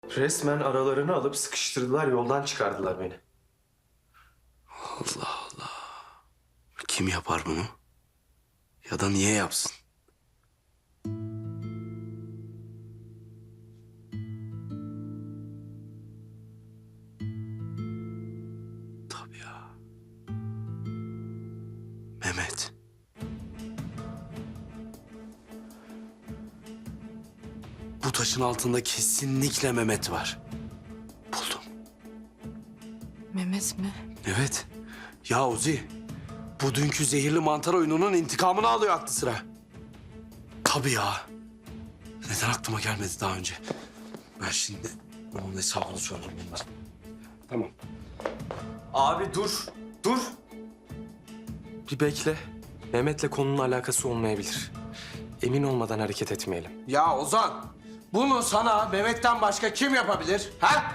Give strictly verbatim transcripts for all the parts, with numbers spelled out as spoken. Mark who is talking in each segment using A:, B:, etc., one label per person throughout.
A: Resmen aralarını alıp sıkıştırdılar, yoldan çıkardılar beni.
B: Allah Allah. Kim yapar bunu? Ya da niye yapsın? Tabii ya. Mehmet. Bu taşın altında kesinlikle Mehmet var. Buldum.
C: Mehmet mi?
B: Evet. Ya Ozi, bu dünkü zehirli mantar oyununun intikamını alıyor aklı sıra. Tabii ya. Neden aklıma gelmedi daha önce? Ben şimdi onun hesabını sorarım bunlar. Tamam.
A: Abi dur, dur. Bir bekle. Mehmet'le konunun alakası olmayabilir. Emin olmadan hareket etmeyelim.
B: Ya Ozan, bunu sana Mehmet'ten başka kim yapabilir? Ha?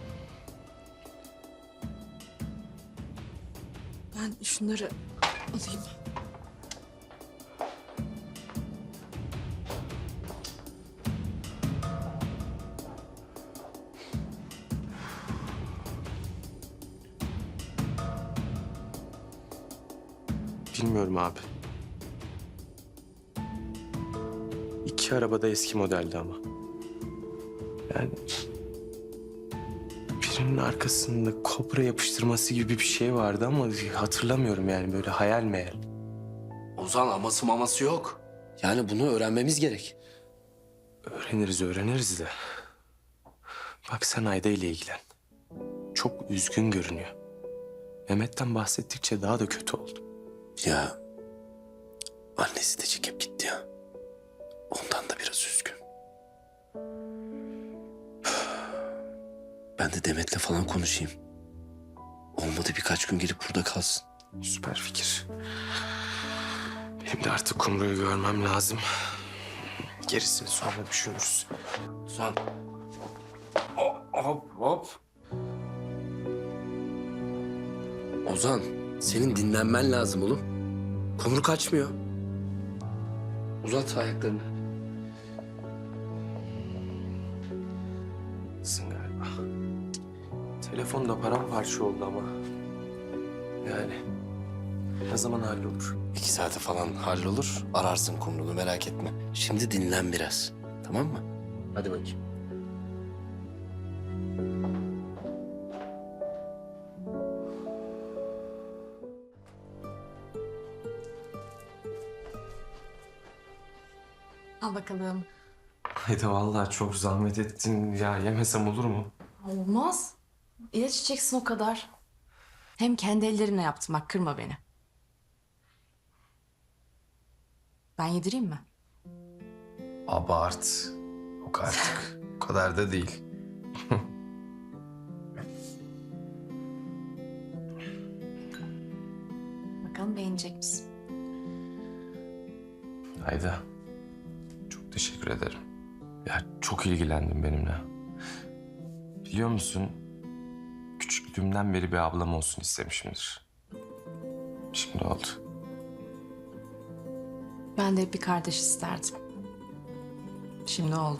C: Ben şunları alayım.
A: Bilmiyorum abi. İki araba da eski modeldi ama. Yani birinin arkasında kobra yapıştırması gibi bir şey vardı ama hatırlamıyorum yani, böyle hayal meyal.
B: Ozan, aması maması yok. Yani bunu öğrenmemiz gerek.
A: Öğreniriz öğreniriz de. Bak sen Ayda ile ilgilen. Çok üzgün görünüyor. Mehmet'ten bahsettikçe daha da kötü oldu.
B: Ya annesi de çekip gitti ya. Ondan da biraz üzgün. Ben de Demet'le falan konuşayım. Olmadı birkaç gün gelip burada kalsın.
A: Süper fikir. Benim de artık Kumru'yu görmem lazım. Gerisini sonra düşünürüz.
B: Ozan. Hop hop hop. Ozan, senin dinlenmen lazım oğlum. Kumru kaçmıyor. Uzat ayaklarını.
A: Sın galiba. Telefon da paramparça oldu ama. Yani ne zaman hallolur?
B: İki saate falan hallolur. Ararsın Kumru'nu, merak etme. Şimdi dinlen biraz. Tamam mı? Hadi bakayım.
C: Al bakalım.
A: Haydi vallahi çok zahmet ettin ya, yemesem olur mu?
C: Olmaz. İlaç içeceksin o kadar. Hem kendi ellerimle yaptım, bak kırma beni. Ben yedireyim mi?
A: Abart. Yok artık. O kadar da değil.
C: Bakalım beğenecek misin?
A: Hayda. Çok teşekkür ederim. Ya çok ilgilendin benimle. Biliyor musun? Küçüklüğümden beri bir ablam olsun istemişimdir. Şimdi oldu.
C: Ben de hep bir kardeş isterdim. Şimdi oldu.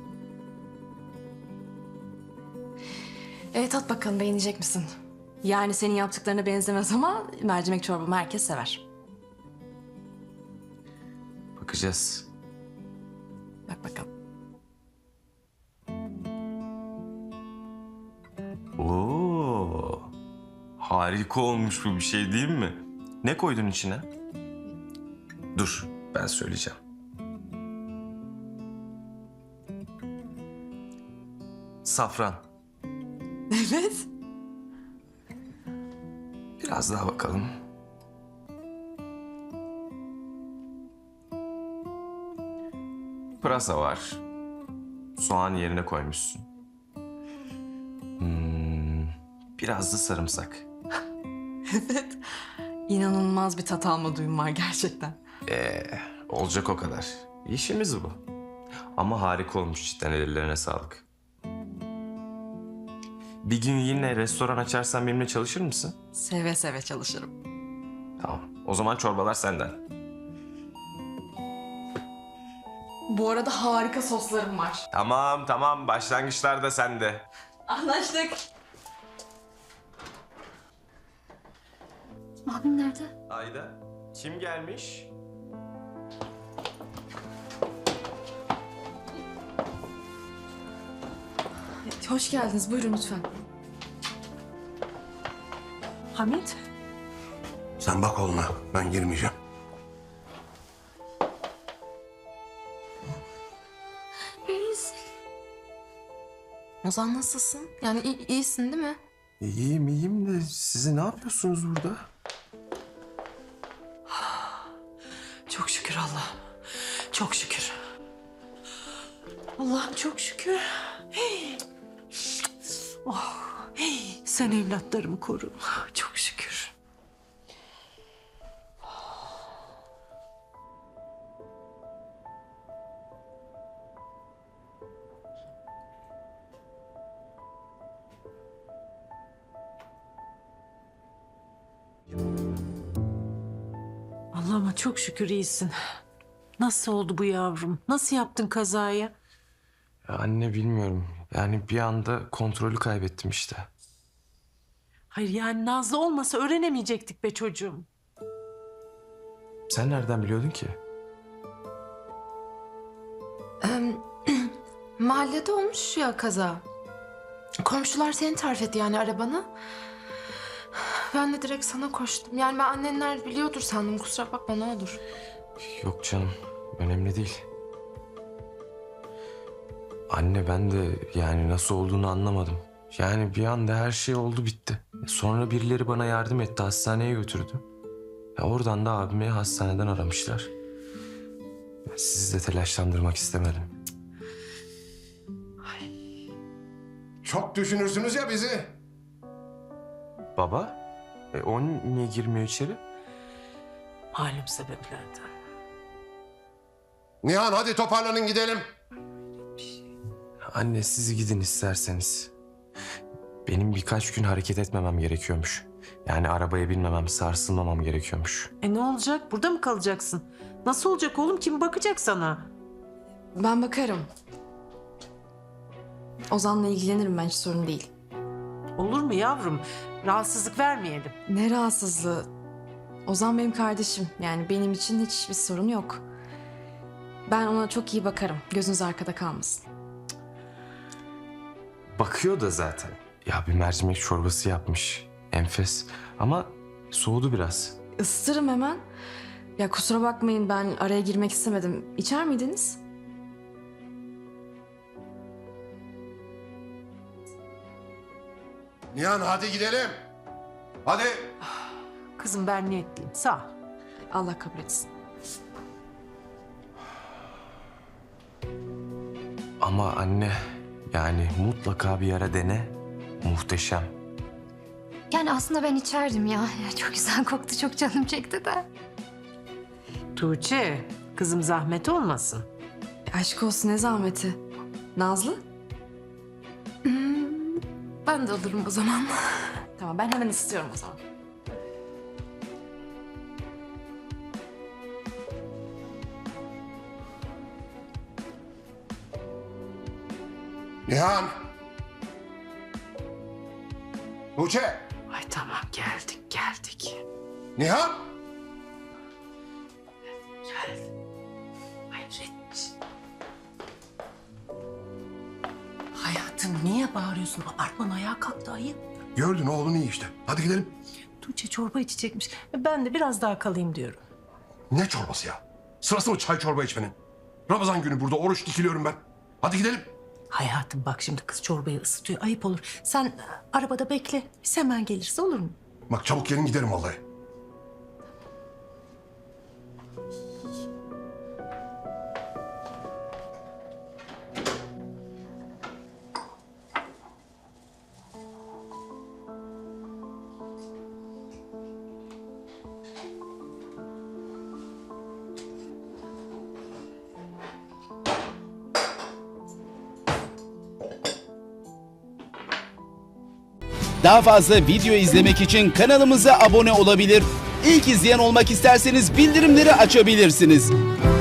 C: Evet, tat bakalım beğenecek misin? Yani senin yaptıklarına benzemez ama mercimek çorbamı herkes sever.
A: Bakacağız.
C: Bak bakalım.
A: Oo. Harika olmuş bu, bir şey değil mi? Ne koydun içine? Dur, ben söyleyeceğim. Safran.
C: Evet.
A: Biraz daha bakalım. Pırasa var. Soğan yerine koymuşsun. Hmm, biraz da sarımsak.
C: Evet. İnanılmaz bir tat alma duyum var gerçekten.
A: Ee, olacak o kadar. İşimiz bu. Ama harika olmuş cidden, ellerine sağlık. Bir gün yine restoran açarsan benimle çalışır mısın?
C: Seve seve çalışırım.
A: Tamam. O zaman çorbalar senden.
C: Bu Bu arada harika soslarım var.
A: Tamam tamam, başlangıçlar da sende.
C: Anlaştık.
D: Abim nerede?
A: Ayda, kim gelmiş?
C: Hoş geldiniz. Buyurun lütfen.
D: Hamit.
E: Sen bak oğluna, ben girmeyeceğim.
D: İyiyiz.
C: Ozan nasılsın? Yani iyi- iyisin değil mi?
A: İyiyim iyiyim de siz ne yapıyorsunuz burada?
D: Çok şükür Allah. Çok şükür. Allah'ım çok şükür. Hey. Oh. Hey. Sen evlatlarımı koru. Çok şükür. Allah'ıma çok şükür iyisin. Nasıl oldu bu yavrum? Nasıl yaptın kazayı?
A: Ya anne bilmiyorum. Yani bir anda kontrolü kaybettim işte.
D: Hayır yani Nazlı olmasa öğrenemeyecektik be çocuğum.
A: Sen nereden biliyordun ki?
C: Mahallede olmuş ya kaza. Komşular seni tarif etti yani arabanı. Ben de direkt sana koştum. Yani ben annenler biliyordur sandım. Kusura bakma ne olur.
A: Yok canım, önemli değil. Anne ben de yani nasıl olduğunu anlamadım. Yani bir anda her şey oldu bitti. Sonra birileri bana yardım etti, hastaneye götürdü. Ya oradan da abimi hastaneden aramışlar. Ya sizi de telaşlandırmak istemedim.
E: Çok düşünürsünüz ya bizi.
A: Baba, e, o niye girmiyor içeri?
D: Malum sebeplerden.
E: Nihan hadi toparlanın gidelim.
A: Anne siz gidin isterseniz. Benim birkaç gün hareket etmemem gerekiyormuş. Yani arabaya binmemem, sarsılmamam gerekiyormuş.
D: E ne olacak? Burada mı kalacaksın? Nasıl olacak oğlum? Kim bakacak sana?
C: Ben bakarım. Ozan'la ilgilenirim ben, hiç sorun değil.
D: Olur mu yavrum? Rahatsızlık vermeyelim.
C: Ne rahatsızlığı. Ozan benim kardeşim. Yani benim için hiçbir sorun yok. Ben ona çok iyi bakarım. Gözünüz arkada kalmasın.
A: Bakıyor da zaten. Ya bir mercimek çorbası yapmış. Enfes. Ama soğudu biraz.
C: Isıtırım hemen. Ya kusura bakmayın, ben araya girmek istemedim. İçer miydiniz?
E: Nihan hadi gidelim. Hadi.
D: Kızım ben niyetliyim. Sağ ol.
C: Allah kabul etsin.
A: Ama anne yani mutlaka bir ara dene. Muhteşem.
F: Yani aslında ben içerdim ya. Ya çok güzel koktu, çok canım çekti de.
D: Tuğçe, kızım zahmet olmasın.
C: E, aşk olsun, ne zahmeti. Nazlı?
F: Ben de olurum o zaman.
C: Tamam, ben hemen istiyorum o zaman.
E: Nihan. Tuğçe.
D: Ay tamam geldik geldik.
E: Nihan.
D: Hayret. Hayatım niye bağırıyorsun? Apartman ayağa kalktı ayıp.
E: Gördün oğlun iyi işte. Hadi gidelim.
D: Tuğçe çorba içecekmiş. Ben de biraz daha kalayım diyorum.
E: Ne çorbası ya? Sırası mı çay çorba içmenin? Ramazan günü burada oruç dikiliyorum ben. Hadi gidelim.
D: Hayatım bak şimdi kız çorbayı ısıtıyor. Ayıp olur. Sen arabada bekle. Biz hemen geliriz olur mu?
E: Bak çabuk gelin gidelim vallahi.
G: Daha fazla video izlemek için kanalımıza abone olabilir. İlk izleyen olmak isterseniz bildirimleri açabilirsiniz.